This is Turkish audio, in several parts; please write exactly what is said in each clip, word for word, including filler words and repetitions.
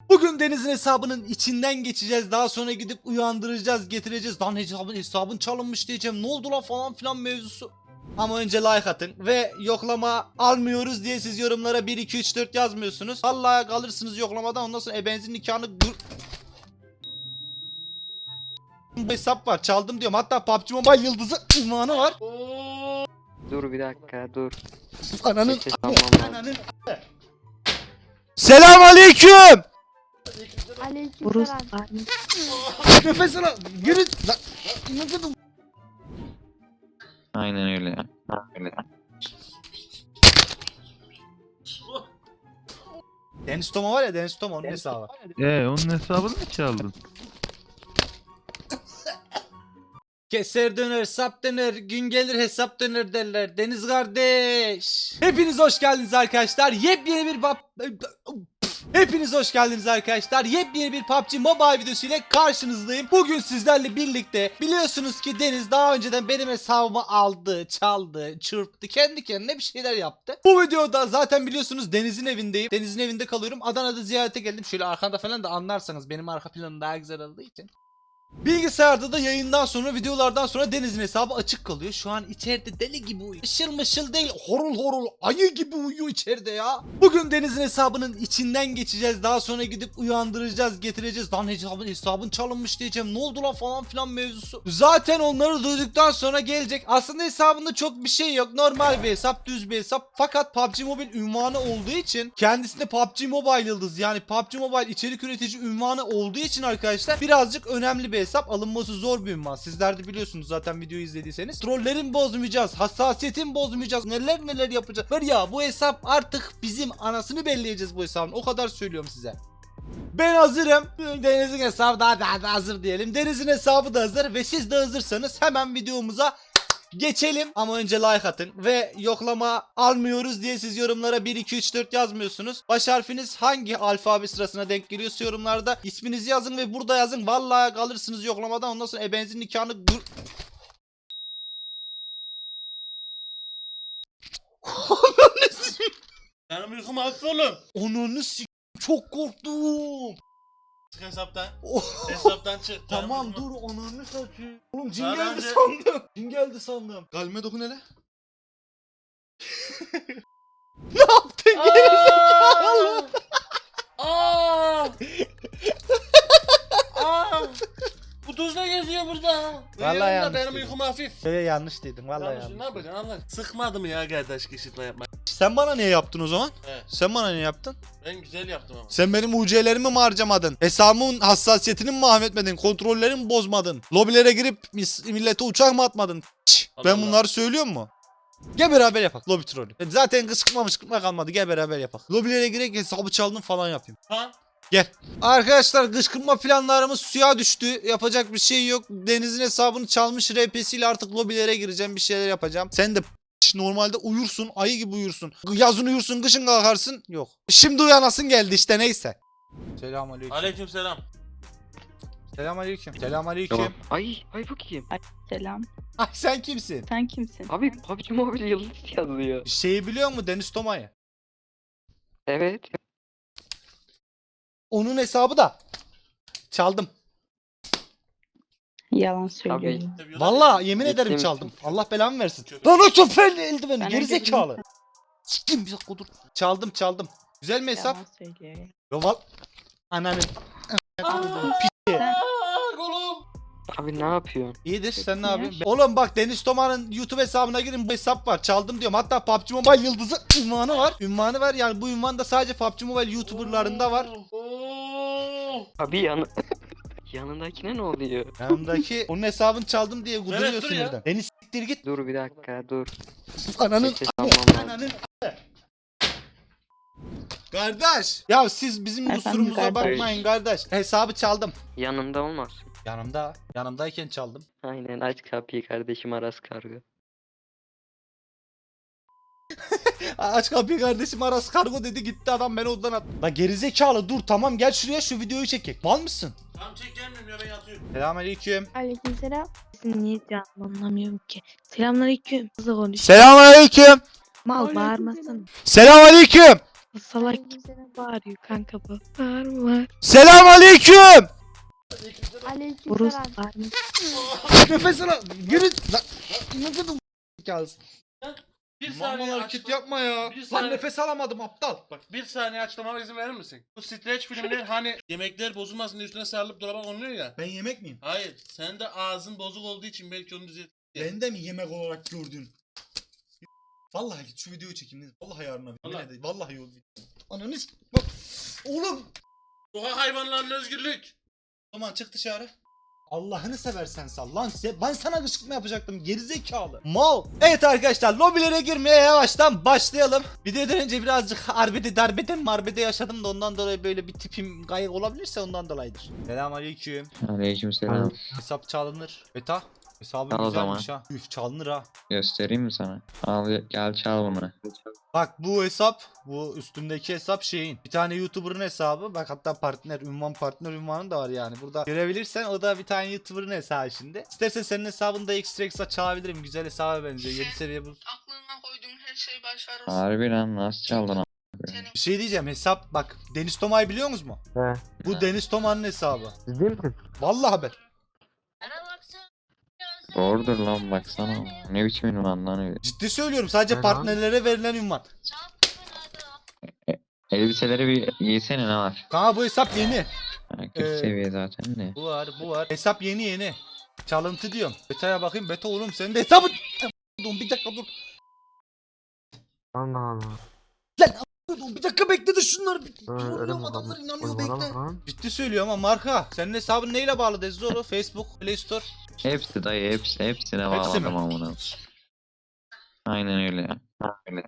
Bugün Deniz'in hesabının içinden geçeceğiz. Daha sonra gidip uyandıracağız, getireceğiz. Lan hesabın, hesabın çalınmış diyeceğim. Ne oldu lan falan filan mevzusu. Ama önce like atın ve yoklama almıyoruz diye siz yorumlara bir iki üç dört yazmıyorsunuz. Vallahi kalırsınız yoklamadan, ondan sonra ebenizin nikahını gır... Bu hesap var, çaldım diyorum. Hatta P U B G Mobile yıldızı ünvanı var. Dur bir dakika dur. Ananın Ses almam lazım. ananın. Selam aleyküm. Aleykümselam. Nefes al. Yürü. Lan, nefes al. Aynen öyle. Öyle. Deniz Toma var ya, Deniz Toma onun hesabı. Ee onun hesabını mı çaldın? Keser döner, sap döner, gün gelir hesap döner derler. Deniz kardeş. Hepiniz hoş geldiniz arkadaşlar. Yepyeni bir bab... Hepiniz hoş geldiniz arkadaşlar. Yepyeni bir P U B G Mobile videosu ile karşınızdayım. Bugün sizlerle birlikte, biliyorsunuz ki Deniz daha önceden benim hesabımı aldı, çaldı, çırptı, kendi kendine bir şeyler yaptı. Bu videoda zaten biliyorsunuz Deniz'in evindeyim. Deniz'in evinde kalıyorum. Adana'da ziyarete geldim. Şöyle arkanda falan da anlarsanız benim arka planım daha güzel olduğu için. Bilgisayarda da yayından sonra, videolardan sonra Deniz'in hesabı açık kalıyor. Şu an içeride deli gibi uyuyor. Işıl mışıl değil, horul horul ayı gibi uyuyor içeride ya. Bugün Deniz'in hesabının içinden geçeceğiz. Daha sonra gidip uyandıracağız, getireceğiz. Lan hesabın, hesabın çalınmış diyeceğim. Ne oldu lan falan filan mevzusu. Zaten onları duyduktan sonra gelecek. Aslında hesabında çok bir şey yok. Normal bir hesap, düz bir hesap. Fakat P U B G Mobile ünvanı olduğu için, kendisinde P U B G Mobile yıldız, yani P U B G Mobile içerik üretici ünvanı olduğu için arkadaşlar birazcık önemli bir hesap, alınması zor bir ünvan. Sizler de biliyorsunuz zaten videoyu izlediyseniz. Trollerin bozmayacağız, hassasiyetin bozmayacağız, neler neler yapacağız. Var ya, bu hesap artık bizim anasını belleyeceğiz bu hesabın. O kadar söylüyorum size. Ben hazırım. Deniz'in hesabı daha, daha da hazır diyelim. Deniz'in hesabı da hazır ve siz de hazırsanız hemen videomuza geçelim. Ama önce like atın ve yoklama almıyoruz diye siz yorumlara bir iki üç dört yazmıyorsunuz. Baş harfiniz hangi alfabe sırasına denk geliyorsa yorumlarda isminizi yazın ve burada yazın. Vallahi kalırsınız yoklamadan, ondan sonra ebenizin nikahını gır... Benim uykum hafif oğlum. Onunu s***, çok korktum. Çık hesaptan. Oh. Hesaptan çık. Tamam Benim dur, uykum- onunu satayım. Oğlum cin Daha geldi önce- sandım. Cin geldi sandım. Kalbime dokun hele. Ne yaptın gerizekalı? Aa! Aa! Bu tuzla geziyor burada. Vallahi Uyuyorum da yanlış benim dedim. uykum hafif. Şöyle yanlış dedin vallahi Yanlış, yanlış. ne yapacaksın Allah? Sıkmadı mı ya kardeş kışırtma yapma? Sen bana niye yaptın o zaman? He. Sen bana niye yaptın? Ben güzel yaptım ama. Sen benim U C'lerimi mi harcamadın? Hesabımın hassasiyetini mi mahvetmedin? Kontrollerimi mi bozmadın? Lobilere girip mis- millete uçak mı atmadın? Çş, Allah ben Allah. bunları söylüyorum mu? Gel beraber yapak lobi trolü. Zaten kışkırtma mışkırtma kalmadı, gel beraber yapak. Lobilere girek hesabı çaldım falan yapayım. Ha? Gel. Arkadaşlar kışkırtma planlarımız suya düştü. Yapacak bir şey yok. Deniz'in hesabını çalmış R P'siyle artık lobilere gireceğim, bir şeyler yapacağım. Sen de normalde uyursun, ayı gibi uyursun. Yazın uyursun, kışın kalkarsın. Yok. Şimdi uyanasın geldi işte, neyse. Selamünaleyküm. Aleykümselam. Selamünaleyküm. Selamünaleyküm. Tamam. Ay ay bu kim? Selam. Ay sen kimsin? Sen kimsin? Abi P U B G Mobile yıldız yazıyor. Şeyi biliyor musun, Deniz Toma'yı? Evet. Onun hesabı da çaldım. Yalan söylüyor. Vallahi yemin Ciddi ederim misin? çaldım. Allah belamı versin. Köpek. Lan o köpeğin eldiveni Ben gerizekalı. eldivenimi- Siktim bir dakika dur. Çaldım çaldım. Güzel mi hesap? Yalan söylüyor ya. Yo val. Ananın. Aa, kolum. Abi ne yapıyorsun? İyidir, sen ne Ya. yapıyorsun? Oğlum bak, Deniz Toma'nın YouTube hesabına girin, bu hesap var, çaldım diyorum. Hatta P U B G Mobile yıldızı ünvanı var. Ünvanı var, yani bu ünvan da sadece P U B G Mobile YouTuber'larında var. Oo. Abi yanı... Yanındakine ne oluyor? Yanımdaki onun hesabını çaldım diye guduruyor Evet, dur ya. sinirden. Deniz siktir git. Dur bir dakika dur. Ananın. Ses almam lazım. Ananın. Kardeş. Ya siz bizim Efendim kusurumuza kardeş. bakmayın kardeş. Hesabı çaldım. Yanında olmasın. Yanımda. Yanımdayken çaldım. Aynen aç kapıyı kardeşim Aras kargo. Aç kapıyı kardeşim, Aras kargo dedi, gitti adam, beni odadan attı. Lan gerizekalı dur, tamam gel şuraya, şu videoyu çekek. Mal mısın? Tamam çek, gelmiyorum ya, ben yatıyorum. Selamünaleyküm. Aleykümselam. Sizin niye canım anlamıyorum ki. Selamünaleyküm. Hızlı konuş. Selamünaleyküm. Mal bağırmasın. Selamünaleyküm. Salak gibi bağırıyor kanka bu. Bağırma. Selam aleyküm. Buruz Aleykümselam. bağırma. Nefes al. Yürü. Lan. Ne dedim? Kalsın. Bir Normal saniye hareket açtım. yapma ya. Bir Lan saniye. nefes alamadım aptal. Bak bir saniye açıklamama izin verir misin? Bu streç filmde hani yemekler bozulmasın diye üstüne sarılıp dolaba konuluyor ya. Ben yemek miyim? Hayır. Sen de ağzın bozuk olduğu için belki onu düzelt. Ben de mi yemek olarak gördün? Vallahi git şu videoyu çekeyim. Vallahi yarına. Vallahi. Vallahi, vallahi yol. Ananı s- bak. Oğlum. Sokak hayvanlarının özgürlük. O zaman çık dışarı. Allah'ını seversen sal lan size. Ben sana kışkırtma yapacaktım gerizekalı. Mal. Evet arkadaşlar lobilere girmeye yavaştan başlayalım. Videodan önce birazcık arbede darbeden marbede yaşadım da ondan dolayı böyle bir tipim kayık olabilirse ondan dolayıdır. Selamünaleyküm. Aleykümselam. Hesap çalınır. Beta. Hesabın Al o güzelmiş ha. Üf çalınır ha. Göstereyim mi sana? Al gel çal bunu. Bak bu hesap, bu üstümdeki hesap şeyin. Bir tane YouTuber'ın hesabı. Bak hatta partner, ünvan partner ünvanı da var yani. Burada görebilirsen o da bir tane YouTuber'ın hesabı şimdi. İstersen senin hesabını da ekstra ekstra çalabilirim. Güzel hesaba benziyor. yedi seviye bu. Aklına koyduğun her şeyi başarırsın. Harbi lan nasıl çaldın a- Senin Bir şey diyeceğim hesap bak. Deniz Tomay biliyor musunuz mu? He. Bu Deniz Toma'nın hesabı. Siz değil misiniz? Vallahi haber. Doğrudur lan baksana. Ne biçim ünvan lan öyle. Ciddi söylüyorum. Sadece Ne lan? partnerlere verilen ünvan. Elbiseleri bir giysene ne var? Kanka bu hesap yeni. Ha, kötü Ee, seviye zaten de. Bu var, bu var. Hesap yeni yeni. Çalıntı diyorum. Beta'ya bakayım. Beta oğlum senin de hesabın. Dur bir dakika dur. Allah Allah. Dur bir dakika bekle de şunları bir. Öyle, öyle Bilmiyorum, mi adamlar lan? inanıyor Uygulama bekle. lan. Ciddi söylüyorum ama marka. Senin hesabın neyle bağlı Dezzoro? Facebook, Play Store. Hepsi dayı hepsi hepsine Hepsi mi? bağladım amına. Aynen öyle ya. Öyle.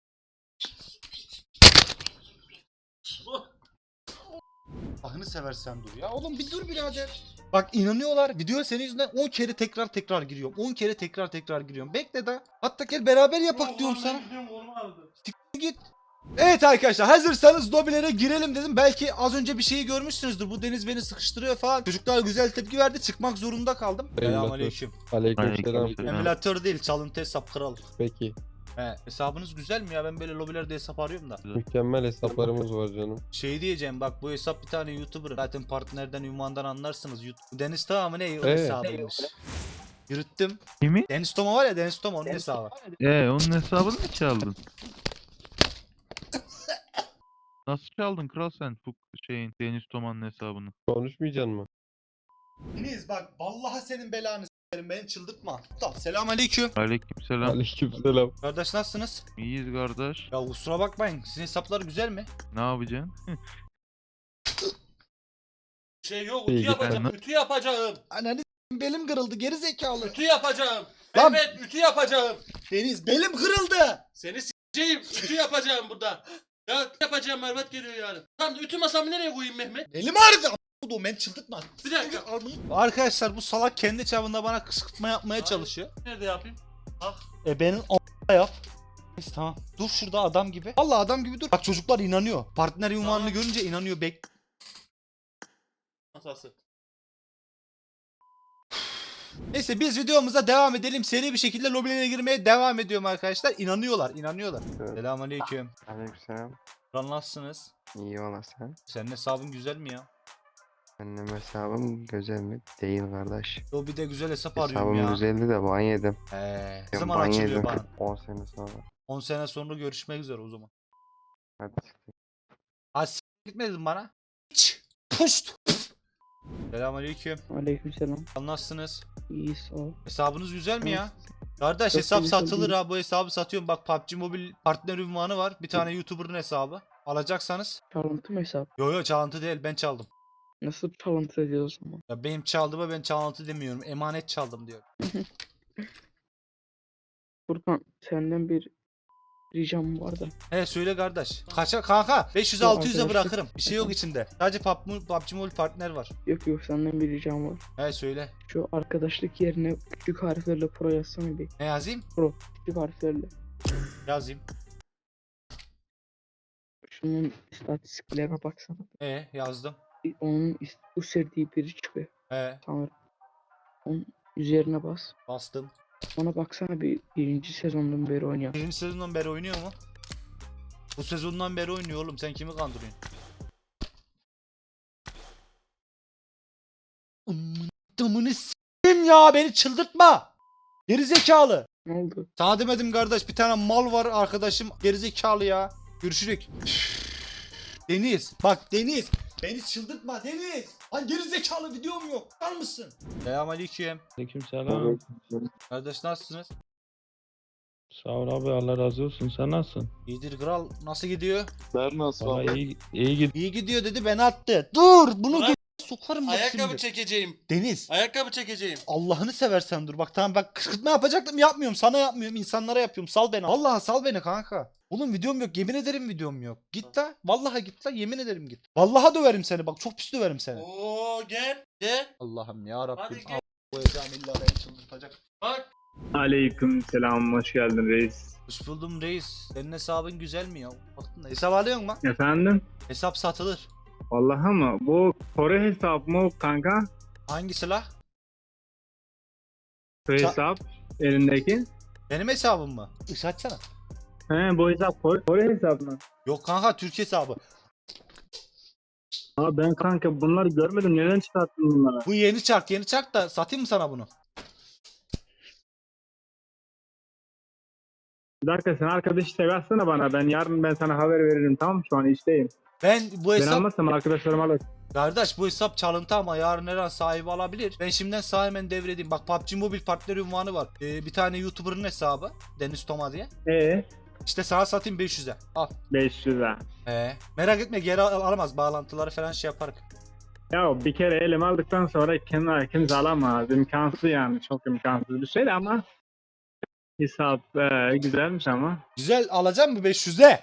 Ahını seversen dur ya. Oğlum bir dur birader. Bak inanıyorlar. Video senin yüzünden on kere tekrar tekrar giriyorum. on kere tekrar tekrar giriyorum. Bekle da. Hatta gel beraber yapak diyorum sana. Git. Evet arkadaşlar hazırsanız lobilere girelim dedim. Belki az önce bir şeyi görmüşsünüzdür. Bu Deniz beni sıkıştırıyor falan. Çocuklar güzel tepki verdi. Çıkmak zorunda kaldım. Selamünaleyküm. Aleykümselam. Aleykümselam. Emülatör değil, çalıntı hesap kral. Peki. He, hesabınız güzel mi ya? Ben böyle lobilerde hesap arıyorum da. Mükemmel hesaplarımız var canım. Şey diyeceğim bak bu hesap bir tane YouTuber. Zaten partnerden, ünvandan anlarsınız. YouTube. Deniz Toma mı ne? O Evet. hesabıymış. Yürüttüm. Kimi? Deniz Toma var ya Deniz Toma onun hesabı. Ee onun hesabını mı çaldın? Nasıl çaldın kral sen bu şeyin Deniz Toma'nın hesabını? Konuşmayacaksın mı? Deniz bak vallahi senin belanı s**erim beni çıldırtma. Tamam selamünaleyküm. Aleykümselam. Aleykümselam. Kardeş nasılsınız? İyiyiz kardeş. Ya kusura bakmayın sizin hesaplar güzel mi? Ne yapacaksın? Şey yok. İyi, Ütü yapacağım. ben- Ütü yapacağım. Ananı s**eyim, belim kırıldı geri zekalı. Ütü yapacağım. Lan- Evet ütü yapacağım. Deniz belim kırıldı. Seni s**eyim. Ütü yapacağım burada. Ya ütü yapacağım Mervat geliyor yani. Tamam ütü masamı nereye koyayım Mehmet? Elim ağrıdı. Oğlum beni çıldırtma. Bir dakika. Arkadaşlar bu salak kendi çapında bana kışkırtma yapmaya çalışıyor. Nerede yapayım? E benim a**a yap. Neyse tamam. Dur şurada adam gibi. Vallahi adam gibi dur. Bak çocuklar inanıyor. Partner ünvanını Tamam. görünce inanıyor. Bek. Masası. Neyse biz videomuza devam edelim. Seri bir şekilde lobilere girmeye devam ediyorum arkadaşlar. İnanıyorlar, inanıyorlar. Evet. Selamünaleyküm. Aleykümselam. Lan nasılsınız? İyi ola sen. Senin hesabın güzel mi ya? Benim hesabım güzel mi? Değil kardeş. Lobide güzel hesap arıyorum Hesabım ya. güzeldi de ban yedim. Ee, ne Ben zaman ban açılıyor yedim. bana? on sene sonra. on sene sonra görüşmek üzere o zaman. Hadi. Az s- gitmedin bana. Hiç. Puşt. Selamünaleyküm. Aleykümselam. Nasılsınız? İyi sağ ol. Hesabınız güzel mi ya? Kardeş Çok hesap iyi, satılır çok iyi. ha. Bu hesabı satıyorum. Bak P U B G Mobile partner ünvanı var. Bir tane YouTuber'ın hesabı. Alacaksanız. Çalıntı mı hesap? Yo yo çalıntı değil ben çaldım. Nasıl çalıntı ediyor o zaman? Ya benim çaldığıma ben çalıntı demiyorum. Emanet çaldım diyorum. Furkan senden bir ricam var da. He söyle kardeş. Kaça kanka? beş yüz altı yüze arkadaşlar- bırakırım. Bir şey yok içinde. Sadece P U B G P U B G Mobile partner var. Yok yok senden bir ricam var. He söyle. Şu arkadaşlık yerine küçük harflerle pro yazsana bir. Ne yazayım? Küçük harflerle. Yazayım. Şunun istatistiklerine baksana. E yazdım. Onun ist- bu sevdiği biri çıkıyor. He Sanırım. Onun üzerine bas. bastım. Ona baksana bir birinci sezondan beri oynuyor. Birinci sezondan beri oynuyor mu? Bu sezondan beri oynuyor oğlum. Sen kimi kandırıyorsun? Amına damını s**eyim ya. Beni çıldırtma. Gerizekalı. Ne oldu? Sana demedim kardeş, bir tane mal var arkadaşım, gerizekalı ya. Görüşürük. Deniz, bak Deniz, beni çıldırtma Deniz. Lan gerizekalı, videom yok. Var mısın? Selamünaleyküm. Aleykümselam. Kardeş nasılsınız? Sağ ol abi, Allah razı olsun. Sen nasılsın? İyidir kral, nasıl gidiyor? Ben nasıl Valla iyi, iyi gidiyor. İyi gidiyor dedi, beni attı. Dur, bunu Ulan, gö- sokarım bak Ayakkabı şimdi. çekeceğim. Deniz, Ayakkabı çekeceğim. Allah'ını seversen dur bak, tamam bak, kışkırtma yapacaktım, yapmıyorum, sana yapmıyorum, insanlara yapıyorum, sal beni. Vallahi sal beni kanka. Oğlum videom yok, yemin ederim videom yok. Git la, vallahi git la, yemin ederim git. Vallahi döverim seni, bak çok pis döverim seni. Oo gel. Gel. Allah'ım ya Rabbim. Hadi gel. Koyacağım illa beni çıldırtacak. Bak. Aleyküm selam, hoş geldin reis. Hoş buldum reis. Senin hesabın güzel mi ya? Baktın da hesap alıyor musun? Efendim? Hesap satılır. Vallahi mı? Bu Kore hesap mı kanka? Hangisi la? Bu Ça- hesap elindeki. Benim hesabım mı? Isı açsana. He, bu hesap Kore, Kore hesap mı? Yok kanka, Türk hesabı. Aa, ben kanka bunları görmedim, neden çıkarttın bunları? Bu yeni çark, yeni çark da satayım mı sana bunu? Bir dakika, sen arkadaşı seversene bana, ben yarın ben sana haber veririm, tamam mı? Şu an işteyim. Ben bu Ben hesap... almazsam arkadaşlarım alır. Kardeş bu hesap çalıntı ama yarın her an sahibi alabilir. Ben şimdiden sağ hemen devredeyim. Bak P U B G Mobile partner ünvanı var. Ee, bir tane YouTuber'ın hesabı. Deniz Toma diye. Ee, İşte sana satayım beş yüze. Al. beş yüz lira. Ee, merak etme, geri al- alamaz. Bağlantıları falan şey yaparız. Ya bir kere elime aldıktan sonra kim, kimse alamaz. İmkansız yani, çok imkansız bir şey ama hesap e, güzelmiş ama. Güzel, alacağım mı beş yüze?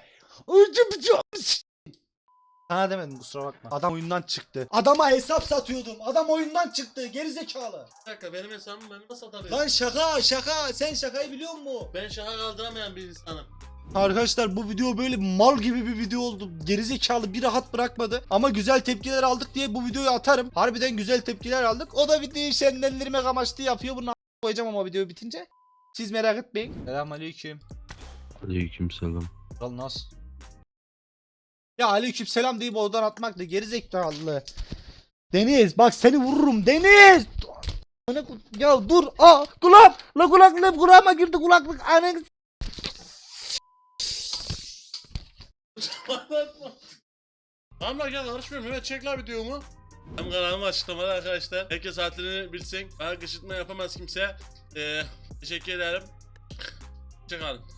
Sana demedim, kusura bakma. Adam oyundan çıktı. Adama hesap satıyordum. Adam oyundan çıktı. Gerizekalı. Bir dakika, benim hesabımı ben nasıl satabilirim? Lan şaka şaka. Sen şakayı biliyor musun? Ben şaka kaldıramayan bir insanım. Arkadaşlar bu video böyle mal gibi bir video oldu. Gerizekalı bir rahat bırakmadı. Ama güzel tepkiler aldık diye bu videoyu atarım. Harbiden güzel tepkiler aldık. O da videoyu şenlendirmek amaçlı yapıyor. Bunu a- koyacağım ama video bitince. Siz merak etmeyin. Selamünaleyküm. Aleykümselam. Kral nasıl? Ya aleykümselam deyip oradan atmak da gerizekalı. Deniz bak seni vururum Deniz. Ya dur. Aa kulak. La kulaklık kulağıma girdi kulaklık. Ananı. Tamam lan gel, karışmıyorum. Evet, çek la videomu. Hem kanalımı açıklamada arkadaşlar. Herkes hatırını bilsin. Bana kışırtma yapamaz kimse. Ee, teşekkür ederim. Hoşçakalın.